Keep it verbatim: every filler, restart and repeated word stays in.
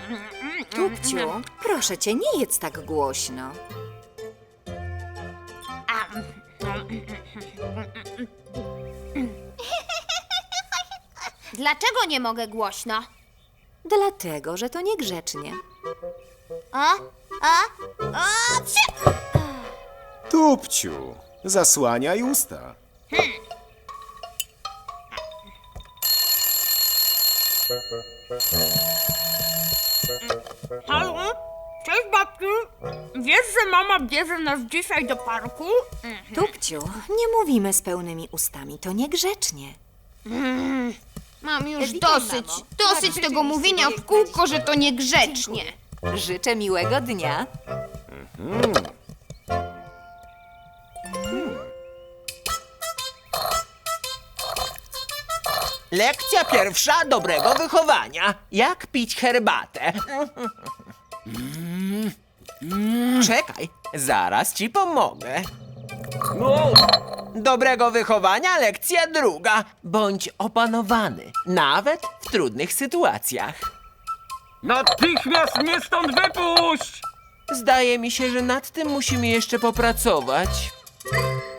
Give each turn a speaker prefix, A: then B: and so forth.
A: Tupciu, proszę cię, nie jedz tak głośno.
B: Dlaczego nie mogę głośno?
A: Dlatego, że to niegrzecznie.
B: A? A? A? Psie!
C: Tupciu, zasłaniaj usta.
D: Halo? Cześć, babciu. Wiesz, że mama bierze nas dzisiaj do parku?
A: Tupciu, nie mówimy z pełnymi ustami, to niegrzecznie.
B: Mam już dosyć, dosyć tego mówienia w kółko, że to niegrzecznie.
A: Życzę miłego dnia.
E: Lekcja pierwsza dobrego wychowania. Jak pić herbatę. Czekaj, zaraz ci pomogę. Dobrego wychowania lekcja druga. Bądź opanowany, nawet w trudnych sytuacjach.
D: Natychmiast mnie stąd wypuść!
E: Zdaje mi się, że nad tym musimy jeszcze popracować.